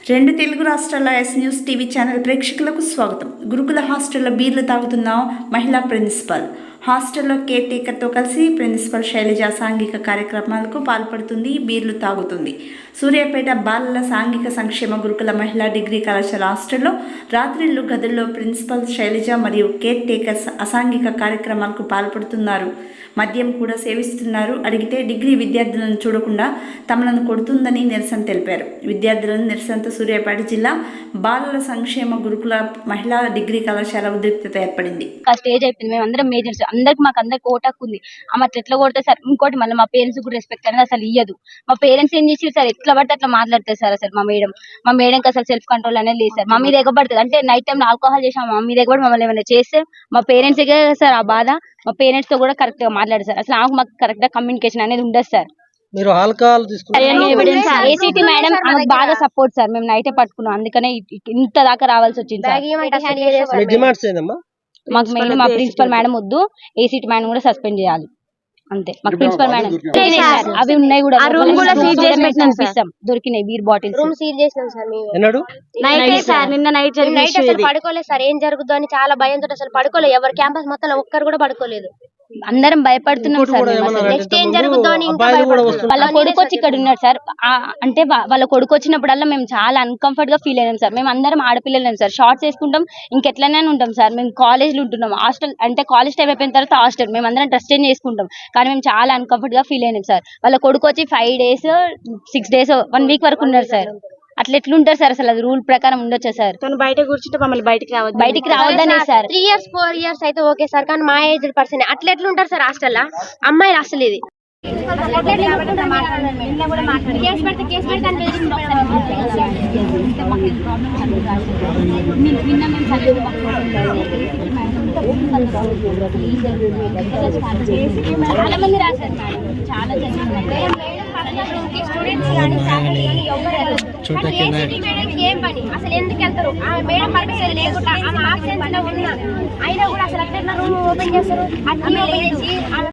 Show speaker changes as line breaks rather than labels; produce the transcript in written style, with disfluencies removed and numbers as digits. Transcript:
రెండు తెలుగు రాష్ట్రాల yes news TV channel ప్రేక్షకులకు స్వాగతం. గురుకుల హాస్టల్లో బీర్లు తాగుతున్న మహిళా ప్రిన్సిపల్. హాస్టల్లో కేర్ టేకర్తో కలిసి ప్రిన్సిపల్ శైలజ సాంఘిక కార్యక్రమాలకు పాల్పడుతుంది, బీర్లు తాగుతుంది. సూర్యాపేట బాలల సాంఘిక సంక్షేమ గురుకుల మహిళా డిగ్రీ కళాశాల హాస్టల్లో రాత్రిళ్లు గదుల్లో ప్రిన్సిపల్ శైలజ మరియు కేర్ టేకర్స్ అసాంఘిక కార్యక్రమాలకు పాల్పడుతున్నారు. మద్యం కూడా సేవిస్తున్నారు. అడిగితే డిగ్రీ విద్యార్థులను చూడకుండా తమలను కొడుతుందని నిరసన తెలిపారు. విద్యార్థులను నిరసనతో సూర్యాపేట జిల్లా బాలల సంక్షేమ గురుకుల మహిళా డిగ్రీ కళాశాల ఉద్రిక్తత ఏర్పడింది.
స్టేజ్ అయిపోయింది. మేము అందరం మేజర్స్, మాకు ఓటాకు ఉంది. ఆమె ఎట్లా కొడతారు సార్. ఇంకోటి మళ్ళీ మా పేరెంట్స్ కూడా రెస్పెక్ట్ అనేది అసలు ఇయ్యదు. మా పేరెంట్స్ ఏం చేసి సార్ ఎట్లా పడితే అట్లా మాట్లాడతారు సార్. అసలు మా మేడంకి అసలు సెల్ఫ్ కంట్రోల్ అనేది లేదు సార్. మా మీద ఎగబడుతుంది. అంటే నైట్ టైం ఆల్కహాల్ చేసాం, మా మీద ఎగబడి మమ్మల్ని ఏమైనా చేస్తే మా పేరెంట్స్ సార్ ఆ బాధ. మా పేరెంట్స్ తో కూడా కరెక్ట్ గా మాట్లాడారు సార్. అసలు మాకు కరెక్ట్ గా కమ్యూనికేషన్ అనేది ఉండదు సార్.
మీరు ఆల్కహాల్
ఏసీటీ మేడం బాగా సపోర్ట్ సార్. మేము నైటే పట్టుకున్నాం, అందుకనే ఇంత దాకా రావాల్సి వచ్చింది సార్. మాకు మెయిన్ మా ప్రిన్సిపల్ మేడం వద్దు, ఏసీటీ మేడం కూడా సస్పెండ్ చేయాలి అంతే. మాకు ప్రిన్సిపల్ మేడం అవి ఉన్నాయి కూడా దొరికినాయి బీర్ బాటిల్స్
రూమ్ సీల్ చేసినాం సార్. నిన్న నైట్ అసలు పడుకోలేదు సార్. ఏం జరుగుతుందో అని చాలా భయంతో అసలు పడుకోలేదు. ఎవరు క్యాంపస్ మొత్తం ఒక్కరు కూడా పడుకోలేదు.
అందరం భయపడుతున్నాం సార్.
నెక్స్ట్ ఏం జరుగుతుందో అని
వాళ్ళ కొడుకు వచ్చి ఇక్కడ ఉన్నాడు సార్. అంటే వాళ్ళ కొడుకు వచ్చినప్పుడల్లా మేము చాలా అన్కంఫర్ట్ గా ఫీల్ అయినాం సార్. మేము అందరం ఆడపిల్లలేం సార్. షార్ట్స్ వేసుకుంటాం, ఇంకెట్లనే ఉంటాం సార్. మేము కాలేజ్లో ఉంటున్నాం. హాస్టల్ అంటే కాలేజ్ టైం అయిపోయిన తర్వాత హాస్టల్ మేము అందరం డ్రెస్ చేంజ్ చేసుకుంటాం. కానీ మేము చాలా అన్కంఫర్ట్ గా ఫీల్ అయినాం సార్. వాళ్ళ కొడుకు వచ్చి 5 days 6 days 1 week వరకు ఉన్నారు సార్. అట్లా ఎట్లుంటారు సార్. అసలు అది రూల్ ప్రకారం ఉండొచ్చా సార్.
బయట కూర్చుంటే మమ్మల్ని బయటికి
రావద్దనే సార్.
3 years 4 years అయితే ఓకే సార్. కానీ మా ఏజ్ పర్సన్ అట్లా ఎట్లుంటారు సార్ హాస్టల్లో. అమ్మాయిలు అసలు ఇది
చాలా మంది రాశారు మేడం. చాలా
ఏం పని అసలు ఎందుకు వెళ్తారు. మేడం పర్మిషన్ లేకుండా ఆమె ఆబ్సెన్స్ లో ఉన్నా అయినా కూడా అసలు అట్లా రూమ్ ఓపెన్ చేస్తారు.